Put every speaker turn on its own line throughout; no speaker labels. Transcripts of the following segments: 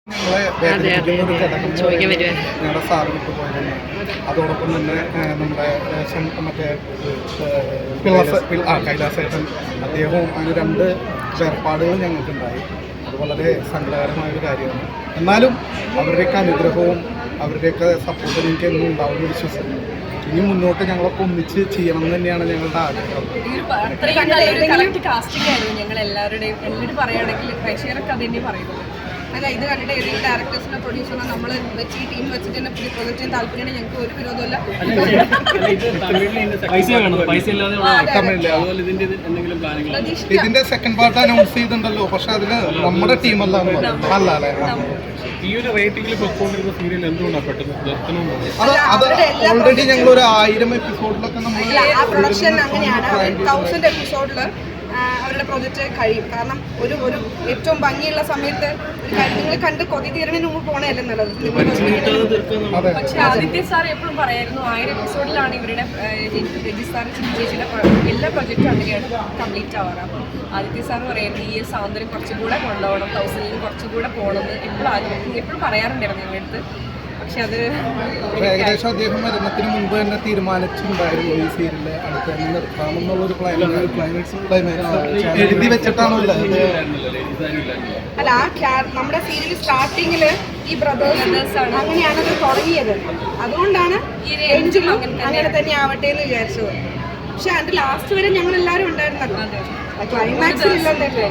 ഞങ്ങളുടെ സാറ് വിട്ടുപോയതാണ്. അതോടൊപ്പം തന്നെ നമ്മുടെ മറ്റേ കൈലാസേട്ടൻ അദ്ദേഹവും അതിന് 2 വേർപാടുകൾ ഞങ്ങൾക്കുണ്ടായി. അത് വളരെ സങ്കടകരമായൊരു കാര്യമാണ്. എന്നാലും അവരുടെയൊക്കെ അനുഗ്രഹവും അവരുടെയൊക്കെ സപ്പോർട്ടും എനിക്ക് എന്നും ഉണ്ടാവുമെന്ന് വിശ്വസിക്കുന്നു. ഇനി മുന്നോട്ട് ഞങ്ങളൊക്കെ ഒന്നിച്ച് ചെയ്യണം എന്ന് തന്നെയാണ് ഞങ്ങളുടെ ആഗ്രഹം.
ഞങ്ങളെല്ലാവരുടെയും പറയുകയാണെങ്കിൽ പ്രേക്ഷകരൊക്കെ അത് തന്നെ പറയുന്നത്. അല്ല, ഇത് കണ്ടിട്ട് ഏതെങ്കിലും ഡയറക്ടേഴ്സിനെ പ്രൊഡ്യൂസറിനെ നമ്മൾ വെച്ച് ഈ ടീം വെച്ചിട്ട് തന്നെ പുതിയ പ്രൊജക്ട് ചെയ്യാൻ താല്പര്യമുണ്ട്. ഞങ്ങൾക്ക് ഒരു വിരോധമല്ല.
ഇതിന്റെ സെക്കൻഡ് പാർട്ട് അനൗൺസ് ചെയ്തിട്ടുണ്ടല്ലോ, പക്ഷെ അതിന് നമ്മുടെ ടീമല്ല അല്ലേ.
ഈ ഒരു റേറ്റിംഗിൽ പൊക്കോണ്ടിരുന്ന സീരിയൽ എന്തുകൊണ്ടാണ് പെട്ടെന്ന്
അത് ഓൾറെഡി ഞങ്ങൾ ഒരു 1000 എപ്പിസോഡിലൊക്കെ നമ്മൾ
പ്രൊഡക്ഷൻ അങ്ങനെയാണ്. 1000 എപ്പിസോഡിൽ അവരുടെ പ്രൊജക്റ്റ് കഴിയും. കാരണം ഒരു ഏറ്റവും ഭംഗിയുള്ള സമയത്ത് ഒരു കാര്യങ്ങൾ കണ്ട് കൊതി തീരണതിന് മുമ്പ് പോകണമല്ലേ നല്ലത്. പക്ഷേ ആദിത്യ സാർ എപ്പോഴും പറയായിരുന്നു 1000 എപ്പിസോഡിലാണ് ഇവരുടെ രജി സാർ ചേച്ചിയുടെ എല്ലാ പ്രൊജക്റ്റും അങ്ങനെയാണ് കംപ്ലീറ്റ് ആവാറ്. അപ്പം ആദിത്യ സാർ പറയുന്നത് ഈ സൗന്ദര്യം കുറച്ചുകൂടെ കൊണ്ടുപോകണം, 1000 കുറച്ചുകൂടെ പോകണമെന്ന് എപ്പോഴും പറയാറുണ്ടായിരുന്നു ഞങ്ങളുടെ അടുത്ത്. പക്ഷെ അത്
ഏകദേശം അദ്ദേഹം മരണത്തിന് മുമ്പ് തന്നെ തീരുമാനിച്ചിട്ടുണ്ടായിരുന്നു ഈ സീരിയല് അടുത്ത് തന്നെ നിർത്താമെന്നുള്ളൊരു എഴുതി വെച്ചിട്ടാണല്ലോ.
അല്ല, നമ്മുടെ സീരിയൽ സ്റ്റാർട്ടിങ്ങിൽ ഈ ബ്രദേഴ്സ് അങ്ങനെയാണത് തുടങ്ങിയത്. അതുകൊണ്ടാണ് എൻഡിലും അങ്ങനെ തന്നെ ആവട്ടെ എന്ന് വിചാരിച്ചത്. പക്ഷെ അതിന്റെ ലാസ്റ്റ് വരെ ഞങ്ങൾ എല്ലാവരും ഉണ്ടായിരുന്നല്ലോ. ക്ലൈമാക്സിൽ ഇല്ലെന്നല്ലേ.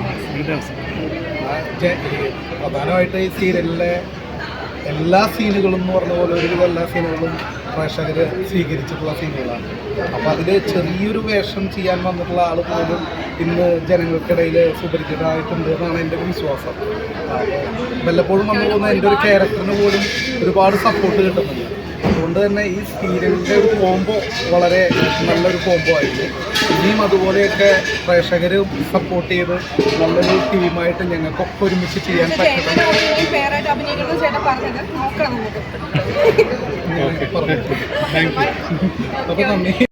പ്രധാനമായിട്ട് ഈ സീരിയലിലെ എല്ലാ സീനുകളും എന്ന് പറഞ്ഞ പോലെ ഒരുവിധം എല്ലാ സീനുകളും പ്രേക്ഷകർ സ്വീകരിച്ചിട്ടുള്ള സീനുകളാണ്. അപ്പോൾ അതിൽ ചെറിയൊരു വേഷം ചെയ്യാൻ വന്നിട്ടുള്ള ആൾ പോലും ഇന്ന് ജനങ്ങൾക്കിടയിൽ സുപരിചിതമായിട്ടുണ്ട് എന്നാണ് എൻ്റെ ഒരു വിശ്വാസം. വല്ലപ്പോഴും വന്നു പോകുന്ന എൻ്റെ ഒരു ക്യാരക്ടറിന് പോലും ഒരുപാട് സപ്പോർട്ട് കിട്ടുന്നുണ്ട്. അതുകൊണ്ട് തന്നെ ഈ സീരിയലിൻ്റെ ഒരു കോംബോ വളരെ നല്ലൊരു കോംബോ ആയിരുന്നു. ഇനിയും അതുപോലെയൊക്കെ പ്രേക്ഷകർ സപ്പോർട്ട് ചെയ്ത് നല്ലൊരു ടീമായിട്ട് ഞങ്ങൾക്കൊക്കെ ഒരുമിച്ച് ചെയ്യാൻ പറ്റും. അപ്പോൾ നന്ദി.